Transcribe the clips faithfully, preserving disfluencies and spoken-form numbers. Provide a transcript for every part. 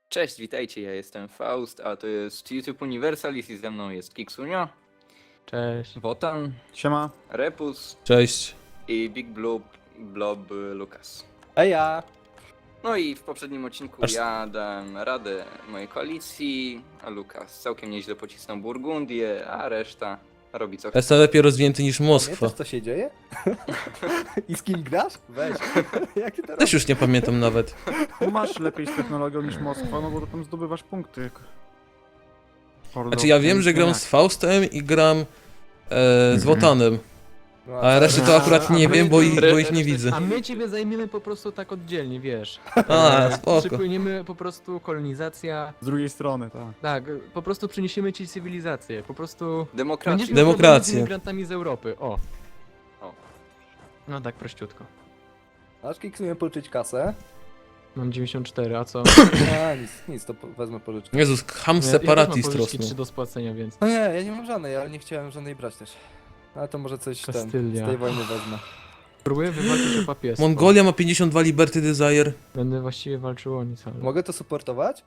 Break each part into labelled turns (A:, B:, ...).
A: Cześć, witajcie, ja jestem Faust, a to jest YouTube Universalis i ze mną jest Kiksunio,
B: Cześć.
A: Wotan,
C: Siema.
A: Repus
D: Cześć.
A: i Big Blob, Blob Lucas.
C: Eja.
A: No i w poprzednim odcinku
D: Aż-
A: ja dałem radę mojej koalicji, a Lukas całkiem nieźle pocisnął Burgundię, a reszta robi co chce.
D: Jest lepiej rozwinięty niż Moskwa.
E: Pamiętasz, co się dzieje? I z kim grasz? Weź. Jak ty to
D: Też
E: robisz?
D: już nie pamiętam nawet.
C: Masz lepiej z technologią niż Moskwa, no bo tam zdobywasz punkty. Hordo.
D: Znaczy ja wiem, że gram z Faustem i gram e, z Wotanem.
E: No,
D: A reszty to akurat nie wiem, bo, ich, bo ich nie widzę.
B: A my ciebie zajmiemy po prostu tak oddzielnie, wiesz.
D: A,
B: E,
D: spoko.
B: Przypłyniemy po prostu kolonizacja.
C: Z drugiej strony, tak.
B: Tak, po prostu przyniesiemy ci cywilizację. Po prostu
A: Demokracja.
B: będziesz miał
D: Demokrację.
B: problemy z imigrantami z Europy. O.
A: O.
B: No tak prościutko.
E: Aż kiksuję pożyczyć kasę.
B: Mam dziewięćdziesiąt cztery, a co?
E: A, nic, nic, to po- wezmę pożyczkę.
D: Jezus, ham
B: Ja, ja też mam
D: separatist
B: pożyczki
D: rosną.
B: trzy do spłacenia, więc.
E: No nie, ja nie mam żadnej, ale nie chciałem żadnej brać też. Ale to może coś ten,
B: Kastylia.
E: z tej wojny wezmę.
B: Próbuję wywalczyć o papieżstwo.
D: Mongolia ma pięćdziesiąt dwa Liberty Desire.
B: Będę właściwie walczył o nic, ale...
E: Mogę to supportować?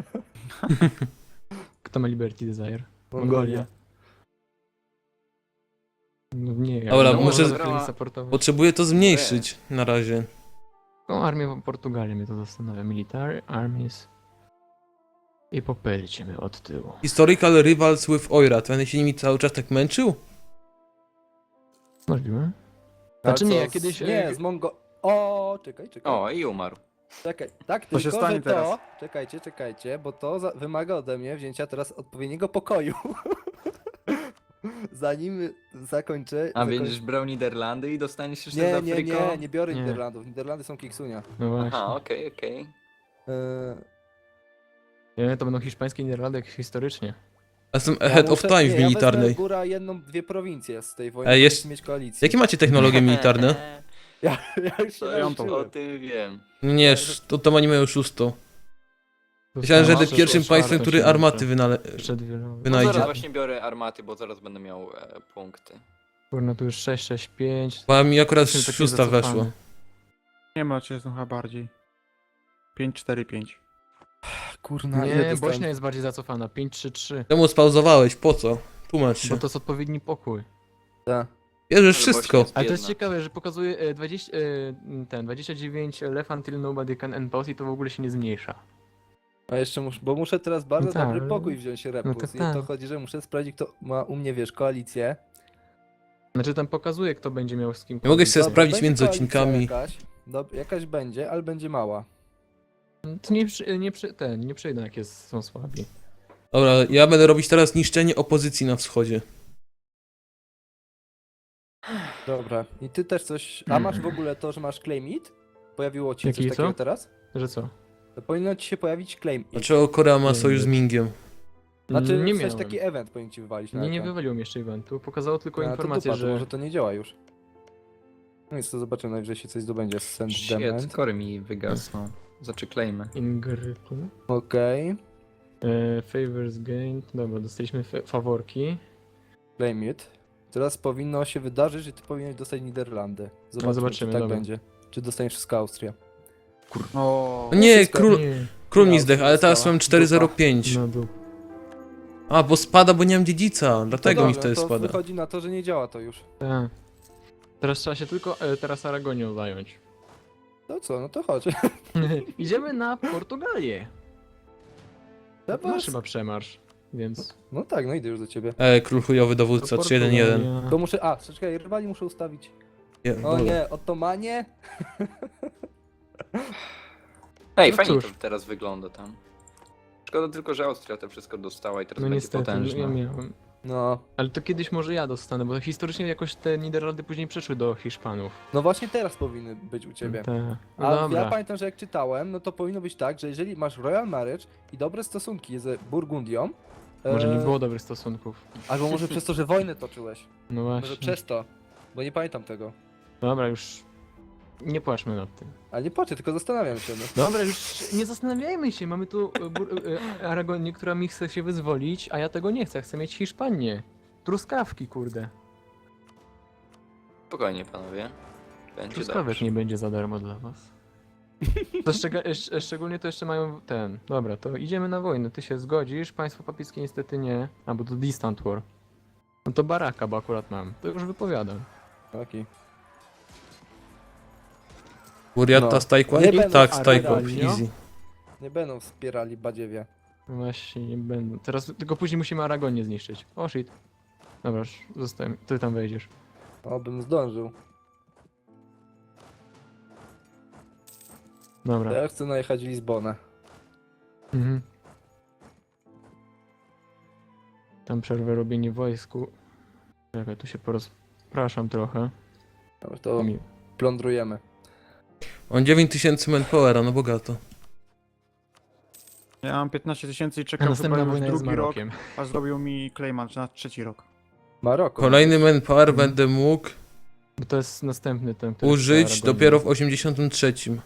B: Kto ma Liberty Desire? Mongolia. No nie, ja
D: Dobra,
B: no,
D: muszę-
B: można to supportować.
D: Potrzebuję to zmniejszyć na razie.
B: No, armię Portugalii mnie to zastanawia. Military armies. I popylcie mnie od tyłu.
D: Historical Rivals with Oirat. Będę się nimi cały czas tak męczył?
B: Możliwe?
E: Ale
B: Znaczy nie,
E: co,
B: ja kiedyś,
E: z- Nie,
B: e,
E: z Mongo... O, czekaj, czekaj.
A: O, i umarł.
E: Czekaj, tak,
C: To się
E: tylko,
C: stanie
E: że to...
C: teraz.
E: Czekajcie, czekajcie, bo to za... wymaga ode mnie wzięcia teraz odpowiedniego pokoju. Zanim zakończę...
A: A
E: zakoń-
A: będziesz brał Niderlandy i dostaniesz jeszcze
E: Nie,
A: z
E: nie,
A: Afryką?
E: nie, nie biorę
B: Nie.
E: Niderlandów. Niderlandy są kiksunia.
B: No właśnie.
A: Aha, okej, okej.
E: Eee,
B: Nie, to będą hiszpańskie Niderlandy jak historycznie.
D: Ja Jestem
E: ja
D: ahead of
E: muszę-
D: time
E: nie,
D: w
E: Ja
D: militarnej.
E: wezmę góra jedną, dwie prowincje z tej wojny,
D: Ej,
E: żeby
D: jest-
E: mieć koalicję.
D: Jakie macie technologie militarne?
E: Ja, ja już się
A: To już
E: nauczyłem.
A: o tym wiem.
D: Nie, sz- to, to oni mają szóstą. Myślałem, że
B: Dostałem
D: jestem pierwszym
B: czwartą
D: państwem, który
B: się
D: armaty
B: muszę.
D: wynale...
B: Przed wieloma.
A: No
D: wynajdzie.
A: zaraz właśnie biorę armaty, bo zaraz będę miał e, punkty.
B: Kurna, tu już sześć, sześć, pięć.
D: Bo mi akurat
B: Jestem taki
D: szósta
B: zacofany.
D: weszła.
C: Nie ma cię chyba bardziej. pięć cztery pięć.
E: Kurna, ile
B: Nie,
E: dostałem?
B: Bośnia jest bardziej zacofana. pięć trzy trzy.
D: Czemu spauzowałeś? Po co? Tłumacz się.
B: Bo to jest odpowiedni pokój.
E: Tak.
D: Bierzesz
A: Ale
D: wszystko.
A: Bośnia
B: Ale to jest
A: biedna.
B: ciekawe, że pokazuje e, dwadzieścia, e, ten dwadzieścia dziewięć left until nobody can impose i to w ogóle się nie zmniejsza.
E: A jeszcze muszę, bo muszę teraz bardzo
B: No tak,
E: dobry
B: ale-
E: pokój wziąć repus.
B: no to
E: I
B: tak.
E: to chodzi, że muszę sprawdzić, kto ma u mnie, wiesz, koalicję.
B: Znaczy tam pokazuje, kto będzie miał z kim.
D: Nie mogę się
B: koalicję.
D: sprawdzić
E: będzie
D: między
E: koalicja
D: odcinkami.
E: Jakaś, dob- jakaś będzie, ale będzie mała.
B: To nie, przy, nie, przy, ten, nie przyjdą jak jest, są słabi.
D: Dobra, ja będę robić teraz niszczenie opozycji na wschodzie.
E: Dobra. I ty też coś... A masz w ogóle to, że masz claim it? Pojawiło ci się coś
B: Jaki
E: takiego
B: co?
E: teraz?
B: Że co?
E: To powinno ci się pojawić claim it.
D: Dlaczego Korea ma
B: Nie
D: sojusz z
B: wiem.
D: Mingiem?
E: Znaczy,
B: nie
E: w sensie
B: miałem.
E: taki event powinien ci wywalić na
B: Nie, nie
E: ekran.
B: wywaliło mi jeszcze eventu. Pokazało tylko
E: A, to
B: informację,
E: dupa, to
B: że...
E: może to nie działa już. No nic, to zobaczymy, najwyżej się coś zdobędzie z Send
A: Shit,
E: Dement.
A: kory mi wygasną. Zaczyklejmy.
B: Ingrytu.
E: Okej.
B: E, favors gained. Dobra, dostaliśmy fa- faworki.
E: Claim it. Teraz powinno się wydarzyć, że ty powinieneś dostać Niderlandy. Zobaczymy,
B: zobaczymy,
E: czy tak
B: dobra.
E: będzie. Czy dostaniesz wszystko Austria.
C: O,
D: No nie,
E: wszystko-
D: król,
B: Nie,
D: król mi
E: Miał
D: zdech, ale teraz
E: została.
D: mam cztery zero pięć.
B: no dół.
D: A, bo spada, bo nie mam dziedzica. Dlatego
E: No
D: mi
E: dobra,
D: wtedy
E: to
D: spada.
E: wychodzi na to, że nie działa to już.
B: Tak. Teraz trzeba się tylko e, teraz Aragonią zająć.
E: No co, no to chodź.
B: Idziemy na Portugalię.
E: Dobra.
B: Masz chyba przemarsz, więc...
E: No tak, no idę już do ciebie.
D: E, król chujowy dowódca,
B: To
D: trzy jeden jeden.
B: Portugalia.
E: To muszę, a, czekaj, rywali muszę ustawić. O nie, Ottomanie?
A: Ej,
B: No
A: fajnie
B: cóż.
A: to teraz wygląda tam. Szkoda tylko, że Austria to wszystko dostała i teraz
B: No
A: będzie
B: niestety,
A: potężna.
B: ja miałem.
E: No.
B: Ale to kiedyś może ja dostanę, bo historycznie jakoś te Niderlandy później przeszły do Hiszpanów.
E: No właśnie teraz powinny być u ciebie.
B: Te... No
E: A
B: dobra.
E: ja pamiętam, że jak czytałem, no to powinno być tak, że jeżeli masz Royal Marriage i dobre stosunki z Burgundią,
B: Może nie
E: e,
B: było dobrych stosunków.
E: albo może przez to, że wojnę toczyłeś.
B: No
E: Może
B: właśnie.
E: przez to, bo nie pamiętam tego.
B: Dobra, już nie płaczmy nad tym.
E: Ale nie patrzę, tylko zastanawiam się. No.
B: Dobra, już nie zastanawiajmy się. Mamy tu e, bur- e, Aragonię, która mi chce się wyzwolić, a ja tego nie chcę. Chcę mieć Hiszpanię. Truskawki, kurde.
A: Spokojnie, panowie. Będzie
B: Truskawek
A: dobrze.
B: nie będzie za darmo dla was. To szczega- szcz- szczególnie to jeszcze mają ten. Dobra, to idziemy na wojnę. Ty się zgodzisz, państwo papieżskie niestety nie. A bo to Distant War. No to baraka, bo akurat mam. To już wypowiadam.
E: Okej.
D: Furiata
E: No.
D: z Taekwondo?
E: Nie będą
D: Tak, z
B: Aragonio.
D: Taekwondo, easy.
E: Nie będą wspierali badziewie.
B: Właśnie nie będę. Teraz tylko później musimy Aragonię zniszczyć. O shit. Dobra, już zostałem. Ty tam wejdziesz.
E: Obym zdążył.
B: Dobra.
E: Ja chcę najechać w Lizbonę.
B: Mhm. Tam przerwę robienie wojsku. Czekaj, tu się porozpraszam trochę.
E: Dobra, to
B: Mi-
E: plądrujemy.
D: On dziewięć tysięcy manpowera, no bogato.
C: Ja mam piętnaście tysięcy i
B: A
C: czekam chyba
B: następna
C: już
B: wojna jest z
C: drugi rok,
B: Marokiem.
C: a zrobił mi Clayman na trzeci rok.
E: Maroko.
D: Kolejny manpower będę mógł
B: Bo to jest następny ten, który
D: użyć
B: chce
D: dopiero w
B: Aragonię.
D: osiemdziesiątym trzecim.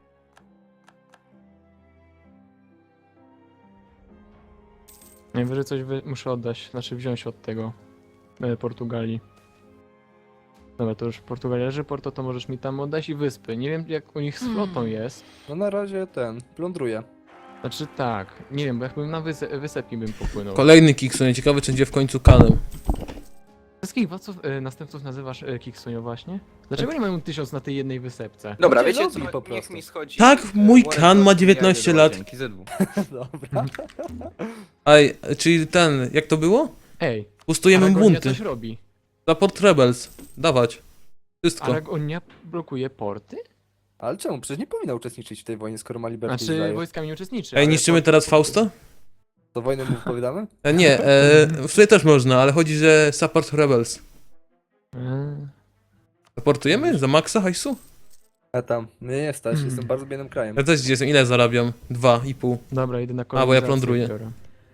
B: Najwyżej coś wy... muszę oddać, znaczy wziąć od tego e, Portugalii. Dobra, to już Portugalia leży, Porto to możesz mi tam oddać i wyspy. Nie wiem jak u nich z flotą jest.
E: No na razie ten, plądruję.
B: Znaczy tak, nie wiem, bo jakbym na wyse wysepki bym popłynął.
D: Kolejny Kiksunie, ciekawy czy będzie w końcu kanem.
B: Wszystkich władców, e, następców nazywasz e, Kiksunio właśnie? Dlaczego nie mają tysiąc na tej jednej wysepce?
A: Dobra,
E: Ludzie
A: wiecie co,
E: lubi po
A: niech
E: prostu.
A: mi schodzi...
D: Tak,
A: e,
D: mój
A: Warren
D: kan ma
A: Buffett i
D: dziewiętnaście
A: ja
D: lat.
A: Dzięki Z dwóch.
E: Dobra.
D: Ej, czyli ten, jak to było?
B: Ej,
D: Pustujemy
B: Aragonia
D: bunty.
B: coś robi.
D: Support Rebels. Dawać. Wszystko.
B: Aragonia blokuje porty?
E: Ale czemu? Przecież nie powinna uczestniczyć w tej wojnie, skoro ma Liberty
B: Znaczy
E: Israel.
B: wojskami nie uczestniczy.
D: Ej,
B: ale
D: niszczymy
B: porty-
D: teraz Fausta?
E: To wojnę mu wypowiadamy?
D: E, nie, e, w sumie też można, ale chodzi, że Support Rebels.
B: Eee,
D: Supportujemy? Za maksa hajsu?
E: A tam, mnie nie stać,
B: Hmm.
E: jestem bardzo biednym krajem.
D: Ja też jestem, ile zarabiam? Dwa i pół.
B: Dobra, idę na
D: A, bo
B: kolonizację.
D: ja plądruję.
B: biorę.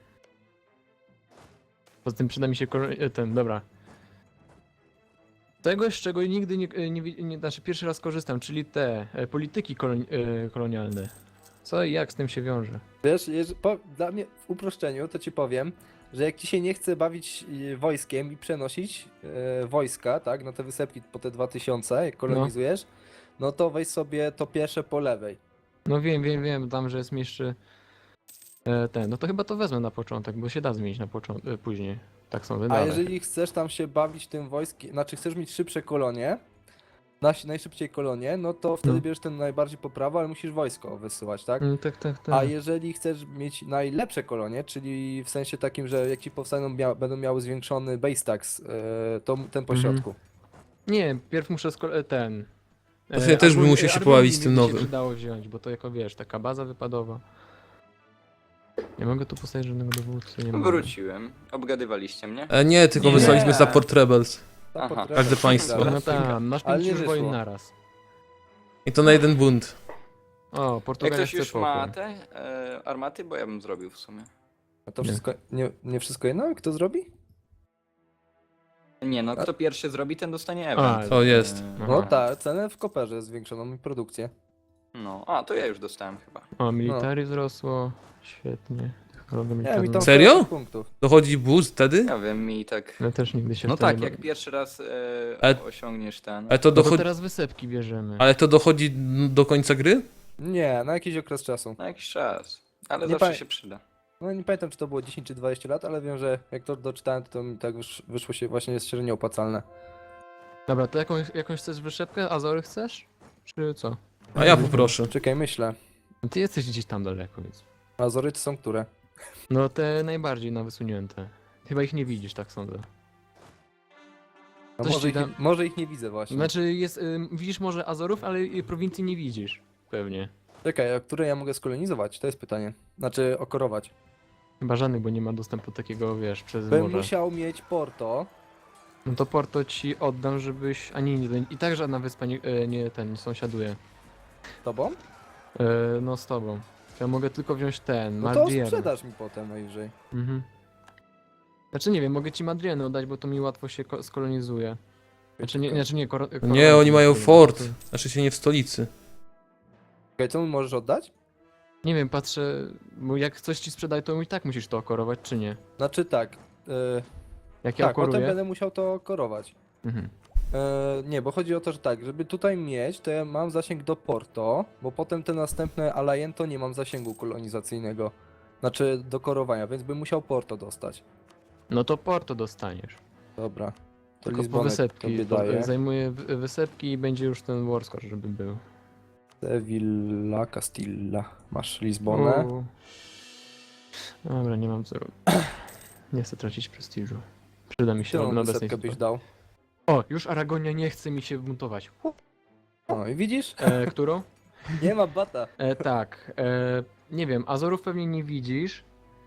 B: Poza tym przyda mi się kolo- e, ten, dobra. Tego, z czego nigdy nie, nie, nie, nie znaczy pierwszy raz korzystam, czyli te e, polityki koloni e, kolonialne. Co i jak z tym się wiąże?
E: Wiesz, jeż- po, dla mnie w uproszczeniu to ci powiem, że jak ci się nie chce bawić y, wojskiem i przenosić y, wojska, tak, na te wysepki po te dwa tysiące, jak kolonizujesz, no. to weź sobie to pierwsze po lewej.
B: No wiem, wiem, wiem, tam, że jest jeszcze e, ten, no to chyba to wezmę na początek, bo się da zmienić na początek, e, później. Tak sądzę,
E: A
B: dalej.
E: jeżeli chcesz tam się bawić tym wojskiem, znaczy chcesz mieć szybsze kolonie, nasi- najszybciej kolonie, no to wtedy
B: No.
E: bierzesz ten najbardziej po prawo, ale musisz wojsko wysyłać, tak?
B: Mm, tak, tak, tak.
E: A jeżeli chcesz mieć najlepsze kolonie, czyli w sensie takim, że jak ci powstaną, mia będą miały zwiększony base tax, yy, to m- ten pośrodku.
B: Nie, pierw muszę sko- e, ten...
D: Właśnie ja też bym
B: Argon-
D: musiał się
B: Argonii
D: pobawić z tym
B: mi by
D: nowym.
B: się przydało wziąć, bo to jako wiesz, taka baza wypadowa. Nie mogę tu postawić żadnego dowódcy, nie mogę.
A: Wróciłem. Obgadywaliście mnie?
D: E, nie, tylko
A: Nie.
D: wysłaliśmy Support Rebels.
E: Tam
A: Aha.
E: potrafię-
D: Każde państwo.
E: Dobra.
B: No tam, masz
E: Ale
B: pięć
E: nie
B: już wojen
E: wyszło.
B: naraz.
D: I to na jeden bunt.
B: O,
A: Jak
B: Portugalia
A: ktoś
B: chce
A: już ma
B: pokój.
A: te e, armaty, bo ja bym zrobił w sumie.
E: A to
B: Nie.
E: wszystko, nie, nie wszystko jedno? Kto zrobi?
A: Nie no, kto pierwszy zrobi, ten dostanie
B: A,
A: event.
D: to jest.
A: E,
B: Aha.
E: No tak, cenę w koperze zwiększoną i produkcję.
A: No, a to ja już dostałem chyba.
B: O, military wzrosło. Świetnie. Technologia
E: Nie, mi
B: militarna.
E: tam
D: Serio?
E: czterdzieści punktów.
D: Dochodzi boost wtedy?
A: Ja wiem, mi tak...
B: Ale też nigdy się
A: No
B: w to nie
A: tak, jak
B: bawi-
A: pierwszy raz e,
D: Ale-
A: osiągniesz ten...
D: Ale to
B: No to
D: dochodzi...
B: teraz wysepki bierzemy.
D: Ale to dochodzi do końca gry?
E: Nie, na jakiś okres czasu.
A: Na jakiś czas. Ale
E: Nie
A: zawsze
E: pa-
A: się przyda.
E: No nie pamiętam, czy to było dziesięć czy dwadzieścia lat, ale wiem, że jak to doczytałem, to mi tak wysz, wyszło się właśnie jest średnio opłacalne.
B: Dobra, to jakąś, jakąś chcesz wyszepkę? Azory chcesz? Czy co?
D: A ja poproszę.
E: Czekaj, myślę.
B: No ty jesteś gdzieś tam daleko, więc...
E: Azory to są które?
B: No te najbardziej na wysunięte. Chyba ich nie widzisz, tak sądzę.
E: No
B: Coś
E: może,
B: ci
E: ich,
B: dam.
E: nie- może ich nie widzę właśnie.
B: Znaczy jest, ym, widzisz może Azorów, ale y, prowincji nie widzisz. Pewnie.
E: Czekaj, a które ja mogę skolonizować? To jest pytanie. Znaczy okorować.
B: Chyba żadnych, bo nie ma dostępu takiego, wiesz, przez
E: Bym
B: morze.
E: musiał mieć Porto.
B: No to Porto ci oddam, żebyś... A nie, nie, i tak żadna wyspa nie, e, nie ten, nie sąsiaduje.
E: Tobą?
B: E, no z tobą. Ja mogę tylko wziąć ten,
E: No to
B: Madrier.
E: sprzedasz mi potem najwyżej.
B: Mhm. Znaczy nie wiem, mogę ci Madrieny oddać, bo to mi łatwo się ko- skolonizuje. Znaczy nie, znaczy nie, kor-
D: Nie,
B: koronę
D: oni mają
B: to-
D: fort.
B: to-
D: Znaczy się nie w stolicy.
E: Czekaj, co mi możesz oddać?
B: Nie wiem, patrzę, bo jak coś ci sprzedaj, to i tak musisz to okorować, czy nie?
E: Znaczy tak. Yy,
B: Jak ja
E: tak, potem
B: okoruję...
E: będę musiał to okorować.
B: Mhm.
E: E, nie, bo chodzi o to, że tak, żeby tutaj mieć, to ja mam zasięg do Porto, bo potem te następne Alliento nie mam zasięgu kolonizacyjnego. Znaczy do korowania, więc bym musiał Porto dostać.
B: No to Porto dostaniesz.
E: Dobra. To
B: Tylko po
E: Lizbonek
B: wysepki.
E: tobie
B: To
E: daję.
B: zajmuje wy- wysepki i będzie już ten Warscore, żeby był.
E: Sevilla, Castilla. Masz Lizbonę.
B: Uuu. Dobra, nie mam co robić. Nie chcę tracić prestiżu. Przyda mi się
E: Którą
B: na obecnej
E: wysepkę byś
B: sytuacji.
E: dał?
B: O, już Aragonia nie chce mi się buntować.
E: No i widzisz?
B: E, którą?
E: Nie ma bata.
B: E, tak. E, nie wiem, Azorów pewnie nie widzisz.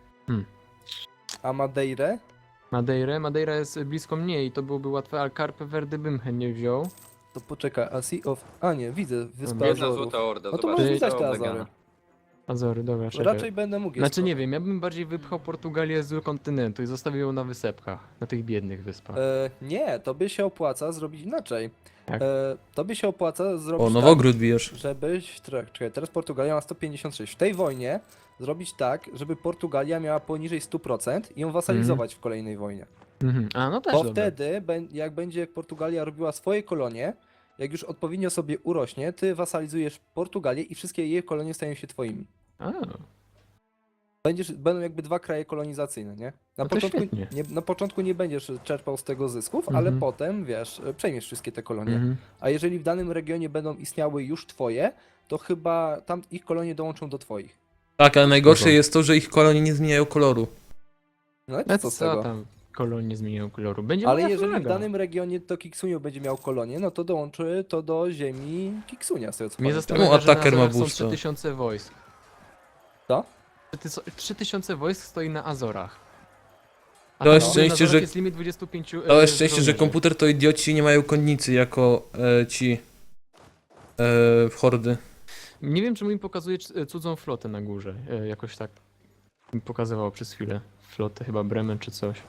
E: A Madeirę?
B: Madeirę? Madeira jest blisko mnie i to byłoby łatwe, ale Carpe Verde bym chętnie wziął.
E: To poczekaj, a Sea of... A nie, widzę, Wyspę
B: Jedna
A: Jedna
E: Azorów.
A: złota orda,
E: No to
A: zobaczcie,
E: możesz
B: Ty-
E: widać
A: to
E: te
A: Vegana.
E: Azory.
B: Azory, dobra, czekaj.
E: Raczej będę mógł je
B: Znaczy nie
E: skoczyć.
B: wiem, ja bym bardziej wypchał Portugalię z kontynentu i zostawił ją na wysepkach, na tych biednych wyspach.
E: E, nie, to by się opłaca zrobić inaczej.
B: Jak?
E: E, to by się opłaca zrobić
D: O,
E: tak,
D: Nowogród bijesz.
E: żebyś... tra- Czekaj, teraz Portugalia ma sto pięćdziesiąt sześć. W tej wojnie zrobić tak, żeby Portugalia miała poniżej sto procent i ją wasalizować w kolejnej wojnie.
B: Mhm. A no też
E: Bo
B: dobre.
E: wtedy, bę- jak będzie Portugalia robiła swoje kolonie, jak już odpowiednio sobie urośnie, ty wasalizujesz Portugalię i wszystkie jej kolonie stają się twoimi.
B: A,
E: Będziesz, będą jakby dwa kraje kolonizacyjne, nie? Na,
B: No to
E: początku,
B: świetnie.
E: nie, na początku nie będziesz czerpał z tego zysków, ale
B: Mhm.
E: potem, wiesz, przejmiesz wszystkie te kolonie.
B: mhm.
E: A jeżeli w danym regionie będą istniały już twoje, to chyba tam ich kolonie dołączą do twoich.
D: Tak, ale najgorsze
B: Spoko.
D: jest to, że ich kolonie nie zmieniają koloru.
E: No i
B: No
E: co z
B: co
E: tego?
B: tam, kolonie zmieniają koloru. Będzie
E: Ale
B: moja
E: jeżeli w
B: flaga.
E: danym regionie to Kiksunio będzie miał kolonię, no to dołączy to do ziemi Kiksunia, z tego co
B: Mnie
E: pamiętam.
B: zastanawia,
D: Czemu
B: że na
D: Attacker ma
B: Azorach są
D: boosta?
B: trzy tysiące wojsk.
E: Co?
B: trzy tysiące wojsk stoi na Azorach. A
D: To
B: tam
D: jest
B: na
D: szczęście,
B: Azorach
D: że-
B: jest limit dwadzieścia pięć e,
D: To jest szczęście, że
B: żołnierzy.
D: komputer to idioci nie mają konnicy jako e, ci e, hordy.
B: Nie wiem, czemu mi pokazuje c- cudzą flotę na górze. E, Jakoś tak mi pokazywało przez chwilę. Flotę chyba Bremen czy coś.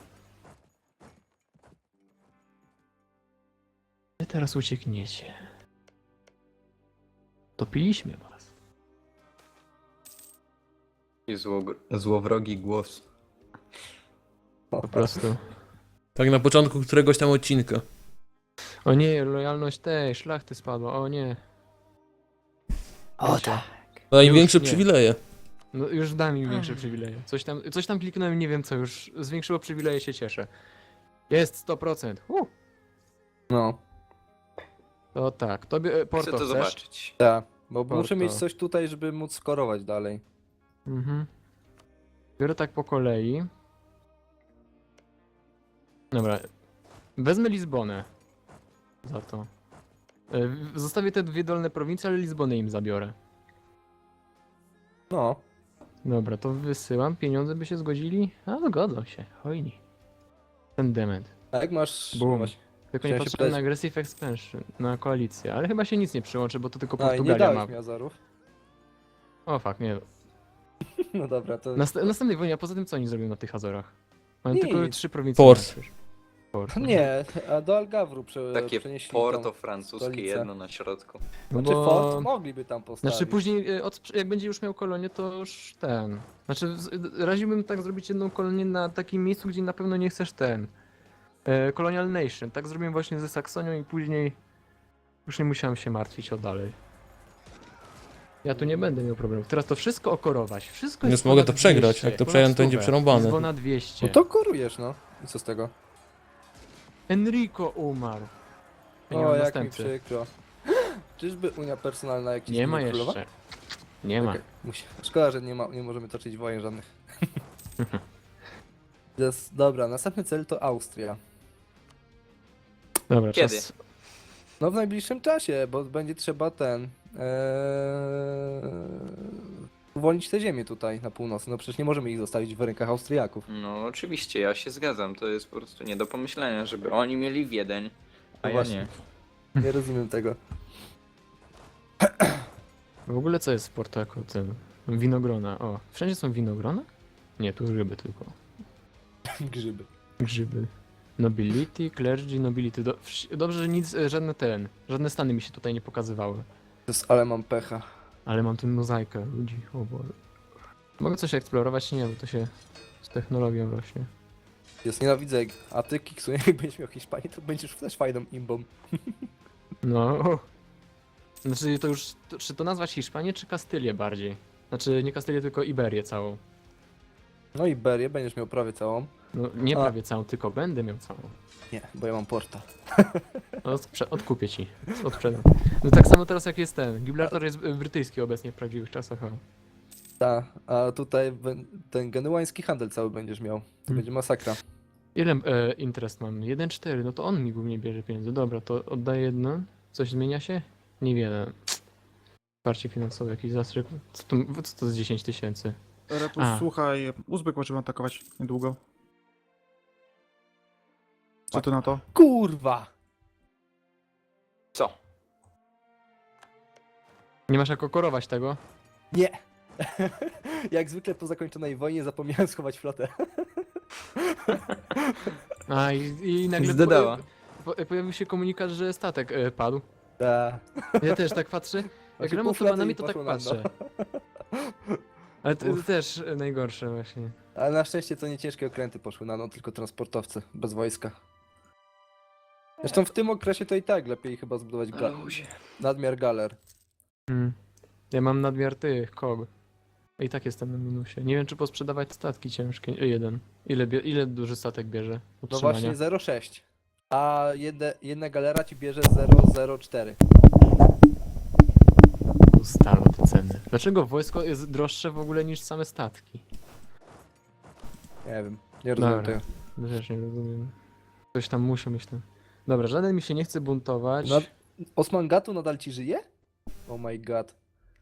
B: Wy teraz uciekniecie. Topiliśmy was.
A: I zło, złowrogi głos.
B: Po prostu.
D: Tak na początku któregoś tam odcinka.
B: O nie, lojalność tej szlachty spadła, o nie.
E: O
B: Wiecie,
E: tak.
D: Największe
B: nie.
D: przywileje.
B: No już da mi większe przywileje. Coś tam, coś tam kliknąłem, nie wiem co, już zwiększyło przywileje, się cieszę. Jest sto procent. Uh,
E: No,
B: to tak, tobie e,
A: Chcę
B: Porto
A: to
B: chcesz?
A: zobaczyć.
E: tak. Bo
B: Porto.
E: muszę mieć coś tutaj, żeby móc skorować dalej.
B: Mhm. Biorę tak po kolei. Dobra. Wezmę Lizbonę. Za to. E, w- Zostawię te dwie dolne prowincje, ale Lizbonę im zabiorę.
E: No.
B: Dobra, to wysyłam. Pieniądze by się zgodzili? A, zgodzą się. Hojni. Ten dement.
E: A jak masz...
B: Bum.
E: właśnie-
B: Tylko nie
E: Chciałem się
B: patrzyłem na
E: pytać-
B: Aggressive Expansion, na koalicję, ale chyba się nic nie przyłączy, bo to tylko
E: A, i nie
B: Portugalia ma.
E: dałeś mi Azorów.
B: O fuck, nie.
E: No dobra, to...
B: Nast następnej wojnie, a poza tym co oni zrobią na tych Azorach? Mają
E: Nic.
B: tylko trzy prowincje.
D: Port.
B: na przecież. Port. no.
E: Nie, a do Algawru prze...
A: Takie
E: przenieśli
A: porto
E: tą...
A: francuskie,
E: stolicę.
A: jedno na środku.
B: No
E: Znaczy
B: bo...
E: fort mogliby tam postawić.
B: Znaczy później, e, od, jak będzie już miał kolonię, to już ten... Znaczy, z- raziłbym tak zrobić jedną kolonię na takim miejscu, gdzie na pewno nie chcesz ten... E, Colonial Nation. Tak zrobiłem właśnie ze Saksonią i później... Już nie musiałem się martwić o dalej. Ja tu nie będę miał problemów. Teraz to wszystko okorować. Wszystko
D: Więc
B: jest
D: mogę
B: ponad
D: to przegrać.
B: dwieście,
D: Jak to
B: ponad
D: przegram, to będzie
B: stówę.
D: przerąbane.
B: Lizbona dwieście.
E: No to korujesz, no. I co z tego?
B: Enrico umarł. Ja nie
E: O,
B: mam
E: jak mi
B: następcy.
E: przykro. Czyżby Unia Personalna jakiś
B: Nie ma
E: nie królowa?
B: jeszcze. Nie ma.
E: Okej, musi. Szkoda, że nie, ma, nie możemy toczyć wojen żadnych. Jest, dobra, następny cel to Austria.
B: Dobra,
A: Kiedy?
B: czas.
E: No w najbliższym czasie, bo będzie trzeba ten... Ee, uwolnić te ziemię tutaj na północy. No przecież nie możemy ich zostawić w rękach Austriaków.
A: No oczywiście, ja się zgadzam. To jest po prostu nie do pomyślenia, żeby oni mieli Wiedeń, a
E: No
A: ja
E: właśnie.
A: nie.
E: Nie rozumiem tego.
B: W ogóle co jest w Porto jako ten? Winogrona. O, wszędzie są winogrona? Nie, tu grzyby tylko.
E: Grzyby.
B: Grzyby. Nobility, clergy, nobility. Do, wsz- dobrze, że nic, e, żadne ten, żadne stany mi się tutaj nie pokazywały.
E: To jest, ale mam pecha.
B: Ale mam tu mozaikę ludzi, o Boże. Mogę coś eksplorować? Nie, bo to się z technologią rośnie.
E: Jest nienawidzę, jak- a ty Kiksu, jak będziesz miał Hiszpanię, to będziesz też fajną imbą.
B: No. Znaczy to już, to, czy to nazwać Hiszpanię, czy Kastylię bardziej? Znaczy nie Kastylię, tylko Iberię całą.
E: No i Berię będziesz miał prawie całą.
B: No nie
E: A.
B: prawie całą, tylko będę miał całą.
E: Nie, bo ja mam porta.
B: No, sprze- odkupię ci, odsprzedam. No tak samo teraz jak jest ten, Gibraltar jest y, brytyjski obecnie w prawdziwych czasach, o.
E: Ta, a tutaj ben- ten genuański handel cały będziesz miał. To
B: Hmm.
E: będzie masakra.
B: Ile e, interest mam? jeden przecinek cztery, no to on mi głównie bierze pieniądze. Dobra, to oddaję jedno. Coś zmienia się? Niewiele. Wsparcie finansowe, jakiś zastrzyk. Co to, co to z dziesięć tysięcy?
C: Repus,
B: A.
C: słuchaj, Uzbek możemy atakować niedługo. Co ty na to?
E: Kurwa!
A: Co?
B: Nie masz jak okorować tego?
E: Nie! Jak zwykle po zakończonej wojnie zapomniałem schować flotę.
B: A i, i nagle
A: Zdedała.
B: po, po, pojawił się komunikat, że statek e, padł.
E: Ta.
B: Ja też tak patrzę. Jak
E: Znaczy,
B: gram
E: pół flety
B: otomanami,
E: i
B: to tak
E: poszło na dno.
B: patrzę. Ale to
E: Uf.
B: też e, najgorsze właśnie.
E: Ale na szczęście to nie ciężkie okręty poszły na no, tylko transportowcy, bez wojska. Zresztą w tym okresie to i tak lepiej chyba zbudować ga-
A: Luzie.
E: nadmiar galer.
B: Hmm. Ja mam nadmiar tych, kog. I tak jestem na minusie. Nie wiem, czy posprzedawać statki ciężkie. E, jeden. Ile, bie- ile duży statek bierze?
E: No
B: Utrzymania?
E: właśnie zero przecinek sześć. A jedne, jedna galera ci bierze zero przecinek zero cztery.
B: Ustala te ceny. Dlaczego wojsko jest droższe w ogóle niż same statki?
E: Nie wiem, nie rozumiem
B: Dobra.
E: tego.
B: No też nie rozumiem. Coś tam musi myślę. Dobra, żaden mi się nie chce buntować.
E: No, Osman Gatu nadal ci żyje? Oh my god.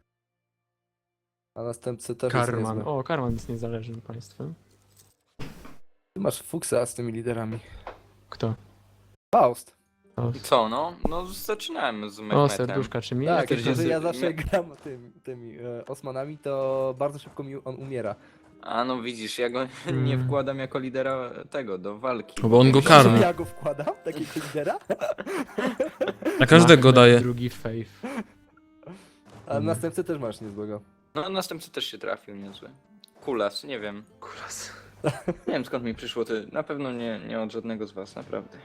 E: A następcy też jest
B: Karman.
E: niezły.
B: O, Karman jest niezależnym państwem.
E: Ty masz fuksa z tymi liderami.
B: Kto?
E: Faust.
B: O,
A: Co, no? No zaczynałem z
B: o
A: Mehmetem.
B: serduszka, czy mi?
E: Tak,
B: Jakieś
E: tylko, że
A: jest-
E: ja zawsze
A: mia-
E: gram tym, tymi e, Osmanami, to bardzo szybko mi on umiera.
A: A no widzisz, ja go
B: Mm.
A: nie wkładam jako lidera tego, do walki.
D: Bo on go
A: Myślę, że-
D: karmi.
E: Ja go wkładam, takiego lidera,
D: Na każdego
B: Mahmed
D: daje.
B: Drugi Faith.
E: a
B: Mhm.
E: następcy też masz niezłego.
A: No następcy też się trafił niezły. Kulas, nie wiem.
B: Kuras.
A: Nie wiem skąd mi przyszło, ty na pewno nie, nie od żadnego z was, naprawdę.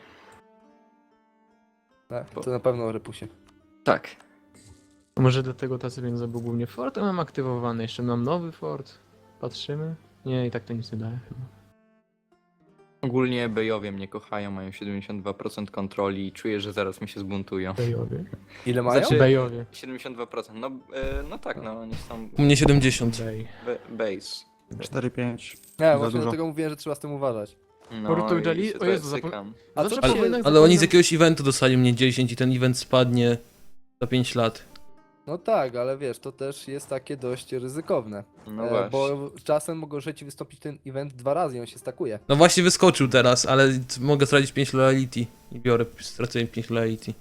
E: Tak, to na pewno o repusie.
A: Tak.
B: Może dlatego tacy pieniądze, bo głównie Fort mam aktywowany. Jeszcze mam nowy Fort. Patrzymy. Nie, i tak to nic nie daje chyba.
A: Ogólnie Bejowie mnie kochają, mają siedemdziesiąt dwa procent kontroli i czuję, że zaraz mi się zbuntują.
B: Bejowie.
E: Ile mają?
A: Znaczy-
B: Bejowie.
A: siedemdziesiąt dwa procent, no, e, no tak, no oni są
D: U mnie siedemdziesiąt.
B: Bej.
A: be, base.
C: cztery pięć.
E: Nie,
C: Za
E: właśnie
C: dużo.
E: dlatego mówiłem, że trzeba z tym uważać.
A: No
B: Portugali-
A: i się
B: o Jezu,
A: tutaj
B: zapom-
A: cykam.
E: A
B: Zawsze
E: co
B: przy
E: się...
B: wojnach
D: Ale oni z
B: zapominam-
D: jakiegoś eventu dostali mnie dziesięć i ten event spadnie za pięć lat.
E: No tak, ale wiesz, to też jest takie dość ryzykowne.
A: No
E: e,
A: właśnie.
E: bo czasem może ci wystąpić ten event dwa razy i on się stakuje.
D: No właśnie wyskoczył teraz, ale mogę stracić pięć loyalty. I biorę, stracę pięć loyalty.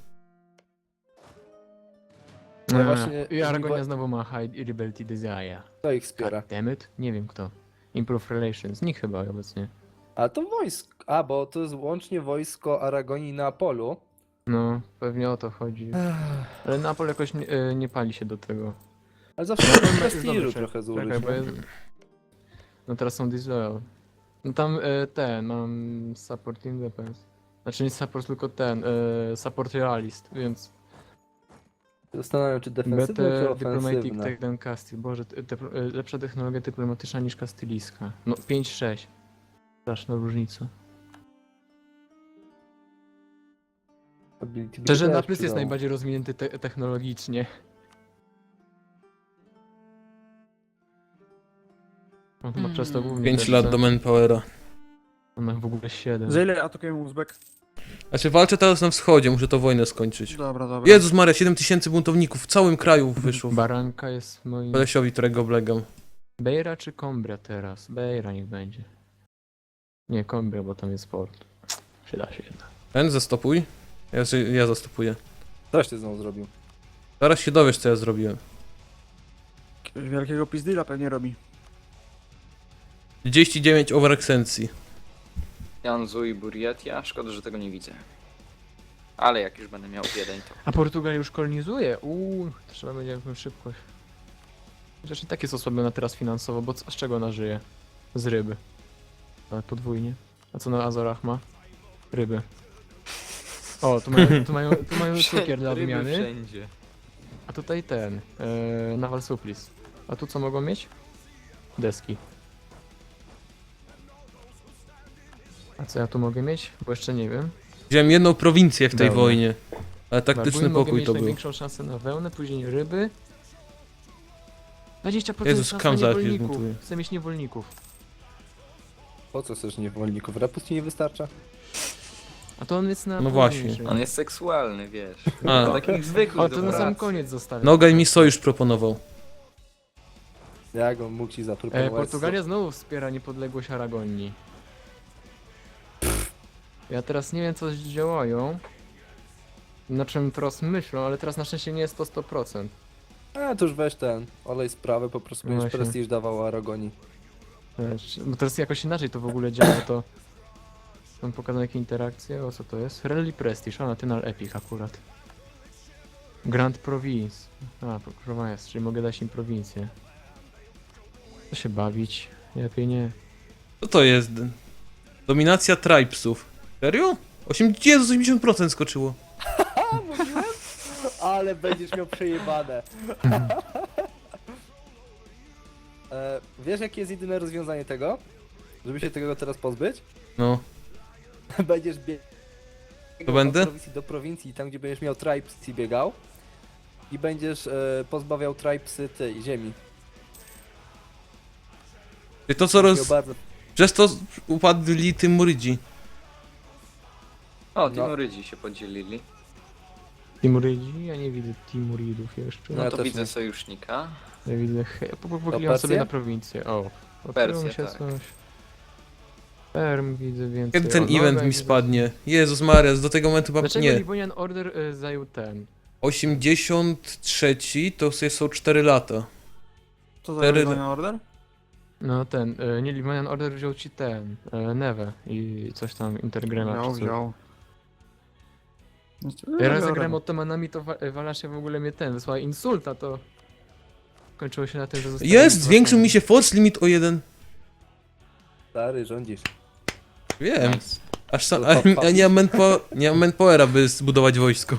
E: No
B: No
E: właśnie,
B: I Aragonia
E: żniwo-
B: znowu ma High Rebellion Desire.
E: Kto ich wspiera?
B: God damn it? Nie wiem kto. Improve Relations. Nikt chyba obecnie.
E: A to wojsko. A, bo to jest łącznie wojsko Aragonii i Neapolu.
B: No, pewnie o to chodzi. Ale Napol jakoś nie, e, nie pali się do tego.
E: Ale zawsze
B: No,
E: można
B: jest
E: prestiżu
B: dobrze,
E: trochę zużyć.
B: Czekaj, bo
E: no.
B: jest... No teraz są Disloyal. No tam e, ten, mam Support Independence. Znaczy nie support, tylko ten, e, Support Realist, więc...
E: Zastanawiam, czy defensywne, czy
B: Better Diplomatic
E: ofensywne.
B: Tech than Castile. Boże, te, te, e, lepsza technologia dyplomatyczna niż kastylijska. No pięć sześć. Straszna różnica.
E: Ability by
B: Szczerze,
E: też
B: Naples jest
E: przydało.
B: najbardziej rozwinięty te technologicznie. On ma przez to głównie
D: pięć
B: lepsze.
D: lat do manpowera.
B: On ma w ogóle siedem.
C: Za ile atakujemy Uzbek?
D: Znaczy walczę teraz na wschodzie, muszę to wojnę skończyć.
C: Dobra, dobra.
D: Jezus Maria, siedem tysięcy buntowników w całym kraju wyszło.
B: Baranka jest moim...
D: Kolesiowi, którego oblegam.
B: Bejra czy Combria teraz? Bejra niech będzie. Nie, Combria, bo tam jest port. Przyda się jednak.
D: Ten, zastopuj. Ja, ja zastopuję.
E: Coś ty znowu zrobił.
D: Zaraz się dowiesz, co ja zrobiłem.
C: Jakiegoś wielkiego pizdila pewnie robi.
D: trzydzieści dziewięć overexencji.
A: Janzu i Buryatia, szkoda, że tego nie widzę. Ale jak już będę miał jeden, to...
B: A Portugalia już kolonizuje? Uuu, trzeba będzie jakąś szybkość. Chociaż i tak jest osłabiona teraz finansowo, bo co- z czego ona żyje? Z ryby. Ale podwójnie. A co na Azorach ma? Ryby. O, tu mają, tu mają, tu mają cukier dla
A: Ryby
B: odmiany.
A: wszędzie.
B: A tutaj ten, e, Naval Supplies. A tu co mogą mieć? Deski. A co ja tu mogę mieć? Bo jeszcze nie wiem.
D: Wziąłem jedną prowincję w tej
B: Dobra.
D: wojnie. Ale taktyczny
B: Babuin mogę
D: pokój
B: mieć
D: to był.
B: największą szansę na wełnę, później ryby. dwadzieścia procent
D: Jezus,
B: szans
D: kam
B: na
D: za chwilę
B: niewolników.
D: zmutuję.
B: Chcę mieć niewolników.
E: Po co chcesz niewolników? Repus ci nie wystarcza?
B: A to on jest na
D: No
B: późniejszym.
D: właśnie.
A: On jest seksualny, wiesz.
D: A.
A: A takich zwykłych
B: O, to
A: do
B: na sam
A: pracy.
B: koniec zostawię.
D: Nogaj mi sojusz proponował.
E: Jak on mógł ci
B: E,
E: zaproponować?
B: Portugalia znowu wspiera niepodległość Aragonii. Ja teraz nie wiem co działają. Na czym teraz myślą, ale teraz na szczęście nie jest to sto procent.
E: A, to już weź ten, olej sprawę, po prostu
B: No
E: będziesz
B: właśnie.
E: prestiż dawał Aragonii.
B: Wiesz, bo teraz jakoś inaczej to w ogóle działa, to... Mam pokazane jakie interakcje, o co to jest? Rally Prestige, a National Epic akurat. Grand Province. A, Provence, czyli mogę dać im prowincję. Co się bawić? Lepiej nie.
D: Co to jest? Dominacja tribesów. Serio? osiem, Jezus, osiemdziesiąt procent skoczyło.
E: A, mówiłem? Ale będziesz miał przejebane. e, wiesz jakie jest jedyne rozwiązanie tego? Żeby się tego teraz pozbyć?
D: No.
E: Będziesz biegał
D: To będę?
E: od prowincji do prowincji, tam gdzie będziesz miał tribes i biegał. I będziesz e, pozbawiał tribesy tej ziemi.
D: Czyli to co
E: Miał
D: roz...
E: bardzo...
D: Przez to upadli Tymurydzi.
A: O,
E: No.
A: Timurydzi się podzielili.
B: Timurydzi? Ja nie widzę Timuridów jeszcze.
A: No
E: Ja
A: to
E: też
A: widzę
E: nie.
A: sojusznika.
B: Ja widzę... He... po- po- Pochyliłem
E: Persję?
B: sobie na prowincję. O.
A: Persję,
B: Pochyliło mi się
A: tak.
B: coś. Perm widzę więcej.
D: Kiedy ten
B: O,
D: event
B: Noga
D: mi
B: widzę.
D: spadnie? Jezus Maria, do tego momentu chyba
B: Dlaczego
D: nie.
B: Livonian Order y, zajął ten?
D: osiemdziesiąt trzy to są cztery lata.
C: Co za
D: Cztery-
C: Rebellion Order?
B: No ten, y, nie Livonian Order wziął ci ten, y, Neve i coś tam Intergrema
C: Wziął,
B: czy coś.
C: wziął.
B: Ja raz zagrałem Ottomanami, to Wa- Walasia w ogóle mnie ten, wysłała insulta, to kończyło się na tym, że zostałem
D: Jest! Zwiększył mi się force limit o jeden.
E: Stary, rządzisz.
D: Wiem.
A: Nice.
D: Aż sam,
E: To
D: a,
E: top
D: a nie mam manpo- nie mam manpowera, by zbudować wojsko.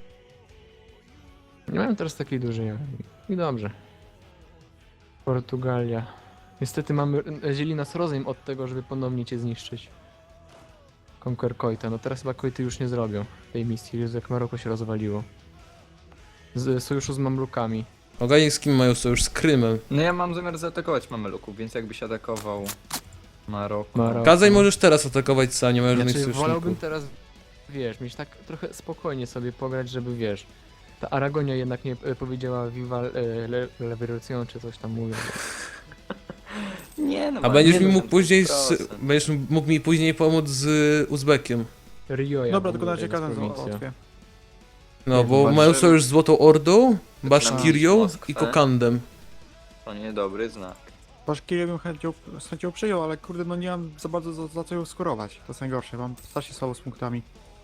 B: Nie mam teraz takiej dużej armii. I dobrze. Portugalia. Niestety mamy, dzieli nas rozejm od tego, żeby ponownie cię zniszczyć. Conquer Koita, no teraz chyba Koity już nie zrobią tej misji, Jezu, jak Maroko się rozwaliło. Z sojuszu z Mamlukami.
D: Ogólnie z kim mają sojusz? Z Krymem.
A: No ja mam zamiar zaatakować Mameluków, więc jakbyś atakował Maroko.
B: Maroko.
D: Kazaj możesz teraz atakować sam, nie ma żadnych
B: Znaczy,
D: sojuszników.
B: wolałbym teraz, wiesz, mieć tak trochę spokojnie sobie pograć, żeby, wiesz, ta Aragonia jednak nie e, powiedziała Viva e, le, la Revolution, czy coś tam mówią.
A: Nie no,
D: A
A: ma
D: będziesz mi mógł
A: dziewięćdziesiąt
D: później z,
A: procent.
D: będziesz mógł mi później pomóc z Uzbekiem.
B: Rio,
C: Dobra, tylko na razie kazan
B: prowincja.
C: załatwię.
D: No,
B: Nie,
D: bo
A: walczy-
D: mają sojusz z Złotą Ordą, Baszkirią
A: Moskwę.
D: i Kokandem.
A: To niedobry znak.
C: Baszkirię bym chęcią, z chęcią przyjął, ale kurde, no nie mam za bardzo za, za co ją skorować. To jest najgorsze, mam strasznie słabo z punktami.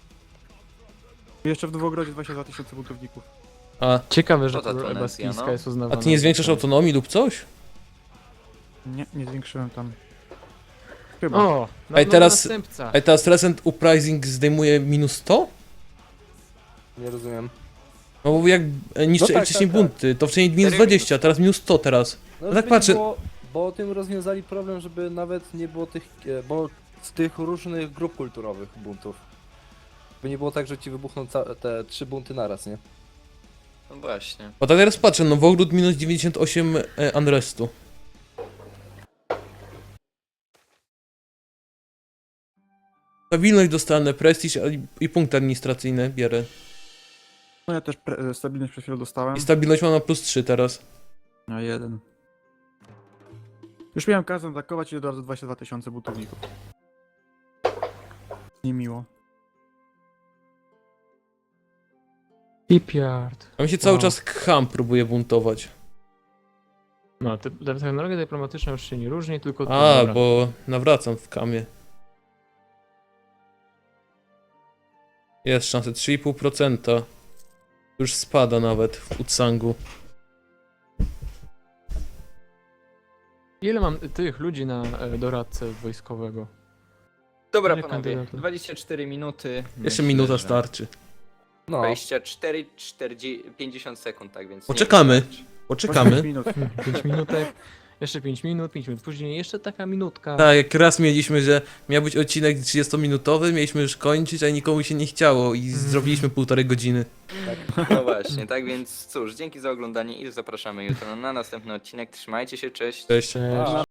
C: I jeszcze w Nowogrodzie dwadzieścia dwa tysiące buntowników.
D: A,
B: Ciekawe, że
A: Co ta
B: król
A: Tunezja,
B: Ebaskijska
A: no?
B: jest
D: a
B: uznawana.
D: ty nie
B: za
D: zwiększasz
B: ten.
D: autonomii lub coś?
C: Nie, nie zwiększyłem tam. Chyba.
B: O! Na,
D: Ej,
B: nowy
D: teraz-
B: następca.
D: A teraz Recent Uprising zdejmuje minus sto?
E: Nie rozumiem.
D: No bo jak e, niszczy
E: No tak,
D: wcześniej
E: tak, tak.
D: bunty, to wcześniej minus
A: Serio?
D: dwadzieścia, teraz minus sto teraz.
E: No,
D: tak
E: żeby
D: patrzę-
E: nie było, bo tym rozwiązali problem, żeby nawet nie było tych, e, bo z tych różnych grup kulturowych buntów. By nie było tak, że ci wybuchną ca- te trzy bunty naraz, nie?
A: No właśnie.
D: Bo tak teraz patrzę, Nowogród minus dziewięćdziesiąt osiem e, Unrestu. Stabilność dostanę, prestiż a i, i punkty administracyjne bierę.
C: No ja też pre- stabilność przed chwilą dostałem.
D: I stabilność mam na plus trzy teraz.
C: Na jeden. Już miałem kazan atakować i od razu dwadzieścia dwa tysiące buntowników. Niemiło.
B: Shipyard.
D: A mi się cały
B: Wow.
D: czas Kham próbuje buntować.
B: No, te, te technologia dyplomatyczna już się nie różni, tylko... to,
D: A,
B: dobra.
D: bo nawracam w Khamie. Jest szansa trzy i pół procent. Już spada nawet w Utsangu.
B: Ile mam tych ludzi na e, doradcę wojskowego?
A: Dobra
B: Nie,
A: panowie,
B: kandydaty.
A: dwadzieścia cztery minuty.
D: Jeszcze
A: Myślę,
D: minuta
A: że
D: starczy.
E: No,
A: dwadzieścia cztery, czterdzieści, pięćdziesiąt sekund, tak więc... nie
D: Poczekamy.
A: wystarczy.
D: Poczekamy.
C: minut.
B: pięć minutek, jeszcze pięć minut, pięć minut później, jeszcze taka minutka.
D: Tak, jak raz mieliśmy, że miał być odcinek trzydziestominutowy, mieliśmy już kończyć, a nikomu się nie chciało i zrobiliśmy półtorej godziny.
A: No właśnie, tak więc cóż, dzięki za oglądanie i zapraszamy jutro na następny odcinek. Trzymajcie się, cześć.
D: Cześć.
B: Cześć.
E: a,